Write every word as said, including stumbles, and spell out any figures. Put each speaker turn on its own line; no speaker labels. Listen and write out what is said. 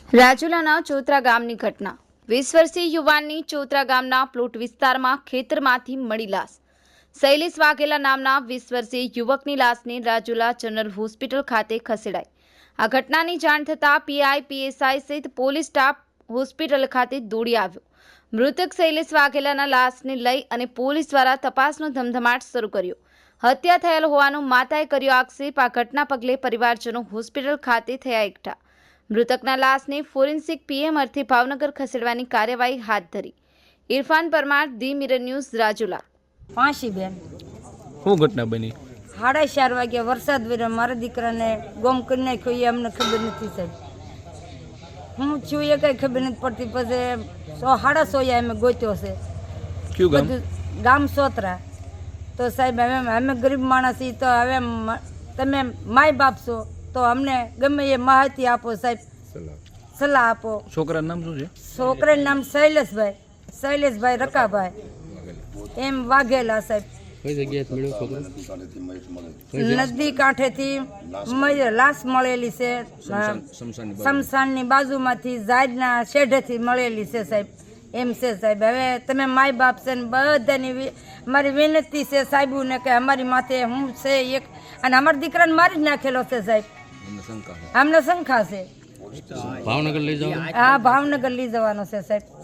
રાજુલાના ચોતરા ગામની ઘટના। વીસ વર્ષીય યુવાનની ચોતરા ગામના પ્લોટ વિસ્તારમાં ખેતરમાંથી મળી લાશ। શૈલેષ વાઘેલા નામના વીસ વર્ષીય યુવકની લાશને રાજુલા જનરલ હોસ્પિટલ ખાતે ખસેડાઈ। આ ઘટનાની જાણ થતાં પીઆઈ પીએસઆઈ સહિત પોલીસ સ્ટાફ હોસ્પિટલ ખાતે દોડી આવ્યો। મૃતક શૈલેષ વાઘેલાના લાશને લઈ અને પોલીસ દ્વારા તપાસનો ધમધમાટ શરૂ કર્યો। હત્યા થયેલ હોવાનો માતાએ કર્યો આક્ષેપ। આ ઘટના પગલે પરિવારજનો હોસ્પિટલ ખાતે થયા એકઠા। મૃતકના લાશને ફોરેન્સિક પીએમ અર્થે ભાવનગર ખસેડવાની કાર્યવાહી હાથ ધરી। Irfan Parmar, the Mirror News, Rajula.
Panchi ben
શું ઘટના બની?
સાડા ચાર વાગે વરસાદ વર્યો, મારા દીકરાને ગોમ કરી નાખ્યો એ અમને ખબર નથી સાહેબ। હું છું એ કઈ ખબર નથી પડતી। પછી સો સાડા સોયા અમે ગોત્યો છે
કયું ગામ?
બધું ગામ સોતરા। તો સાહેબ હવે અમે ગરીબ માણસ છીએ, તો હવે મ- તમે માય બાપ છો તો અમને ગમે એ માહિતી આપો સાહેબ, સલાહ આપો।
છોકરાનું નામ શું છે?
છોકરાનું નામ શૈલેષભાઈ શૈલેષભાઈ રકાભાઈ એમ વાઘેલા સાહેબ।
કઈ જગ્યાએ મળ્યો છોકરો?
નદી કાંઠેથી મ- લાશ મળેલી છે, શમશાનની બાજુમાંથી ઝાડના શેઢેથી મળેલી છે સાહેબ, એમ છે સાહેબ। હવે તમે માય બાપ છે ને બધાની વિ- મારી વિનંતી છે સાહેબોને કે અમારી માથે હું છે એક, અને અમારા દીકરાને મારી જ નાખેલો છે સાહેબ। અમને શંકા છે,
ભાવનગર લઈ જાઓ?
હા ભાવનગર લઈ જવાનો છે સાહેબ।